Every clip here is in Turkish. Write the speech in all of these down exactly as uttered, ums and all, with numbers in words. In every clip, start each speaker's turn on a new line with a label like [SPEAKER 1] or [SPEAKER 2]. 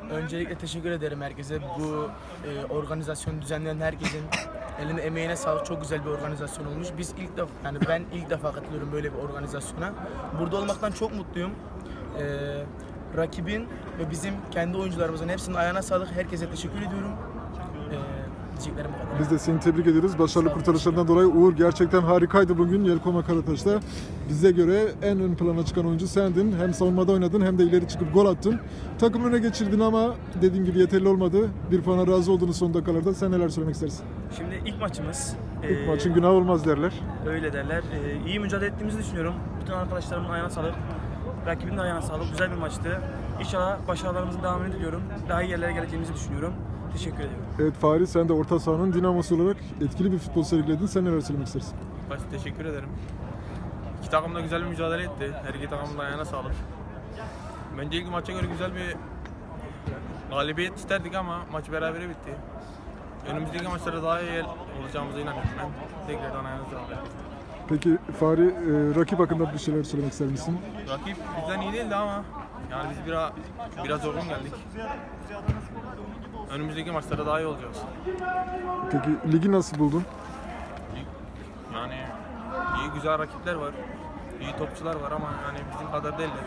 [SPEAKER 1] Öncelikle teşekkür ederim herkese. Bu e, organizasyonu düzenleyen herkesin eline emeğine sağlık. Çok güzel bir organizasyon olmuş. Biz ilk defa, yani ben ilk defa katılıyorum böyle bir organizasyona. Burada olmaktan çok mutluyum. E, rakibin ve bizim kendi oyuncularımızın hepsinin ayağına sağlık. Herkese teşekkür ediyorum. E, diyeceklerim bu kadar.
[SPEAKER 2] Biz de seni tebrik ediyoruz. Başarılı kurtarışlarından dolayı. Uğur gerçekten harikaydı bugün Yelkoma Karataş'ta. Bize göre en ön plana çıkan oyuncu sendin. Hem savunmada oynadın hem de ileri çıkıp gol attın. Takım öne geçirdin ama dediğim gibi yeterli olmadı. Bir puana razı olduğunuz son dakikalarda. Sen neler söylemek istersin?
[SPEAKER 3] Şimdi ilk maçımız.
[SPEAKER 2] İlk
[SPEAKER 3] Ee,
[SPEAKER 2] maçın günahı olmaz derler.
[SPEAKER 3] Öyle derler. Ee, iyi mücadele ettiğimizi düşünüyorum. Bütün arkadaşlarımın ayağına sağlık. Rakibin de ayağına sağlık. Güzel bir maçtı. İnşallah başarılarımızın devamını diliyorum. Daha iyi yerlere geleceğimizi düşünüyorum. Teşekkür ederim.
[SPEAKER 2] Evet Fahri, sen de orta sahanın dinamosu olarak etkili bir futbol sergiledin. Sen neler söylemek istersin?
[SPEAKER 4] Başta teşekkür ederim. İki takım da güzel bir mücadele etti. Her iki takımın da ayağına sağlık. Bence ilk maça göre güzel bir galibiyet isterdik ama maç berabere bitti. Önümüzdeki maçlarda daha iyi olacağımıza inanıyorum ben. Tekrardan ayağına sağlık.
[SPEAKER 2] Peki Fahri, e, rakip hakkında bir şeyler söylemek ister misin?
[SPEAKER 4] Rakip bizden iyi değildi ama yani biz biraz biraz zorgun geldik. Önümüzdeki maçlarda daha iyi olacağız.
[SPEAKER 2] Peki ligi nasıl buldun?
[SPEAKER 4] Yani iyi güzel rakipler var. İyi topçular var ama yani bizim kadar değiller.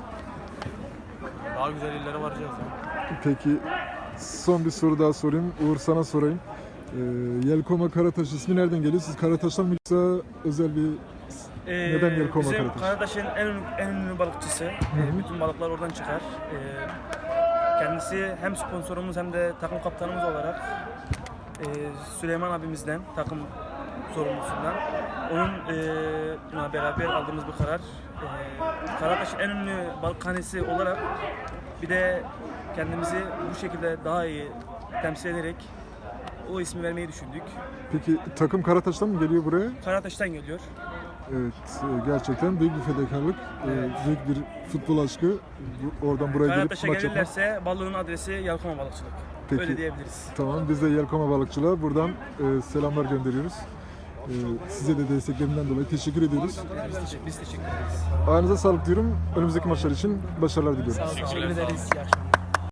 [SPEAKER 4] Daha güzel illere varacağız yani.
[SPEAKER 2] Peki son bir soru daha sorayım. Uğur, sana sorayım. Ee, Yelkoma Karataş ismi nereden geliyor? Siz Karataş'tan mı yoksa özel bir
[SPEAKER 3] Ee,
[SPEAKER 2] neden Yelkoma
[SPEAKER 3] bizim
[SPEAKER 2] Karataş?
[SPEAKER 3] Karataş'ın en ünlü, en ünlü balıkçısı. Ee, bütün balıklar oradan çıkar. Ee, kendisi hem sponsorumuz hem de takım kaptanımız olarak e, Süleyman abimizden, takım sorumlusundan onunla beraber aldığımız bir karar. Ee, Karataş'ın en ünlü balıkhanesi olarak bir de kendimizi bu şekilde daha iyi temsil ederek o ismi vermeyi düşündük.
[SPEAKER 2] Peki takım Karataş'tan mı geliyor buraya?
[SPEAKER 3] Karataş'tan geliyor.
[SPEAKER 2] Evet, e, gerçekten büyük bir fedakarlık, e, büyük bir futbol aşkı. Bu- Oradan buraya gelip
[SPEAKER 3] Karataş'a
[SPEAKER 2] maç yapmak.
[SPEAKER 3] gelirlerse balığın adresi Yelkoma Balıkçılık.
[SPEAKER 2] Peki.
[SPEAKER 3] Öyle diyebiliriz.
[SPEAKER 2] Tamam, biz de Yelkoma Balıkçılığa buradan e, selamlar gönderiyoruz. E, size de desteklerinden dolayı teşekkür ediyoruz.
[SPEAKER 3] Biz teşekkür, biz teşekkür ederiz.
[SPEAKER 2] Ayağınıza sağlık diyorum. Önümüzdeki maçlar için başarılar diliyorum.
[SPEAKER 1] Sağ olun. Teşekkür ederiz. İyi akşamlar.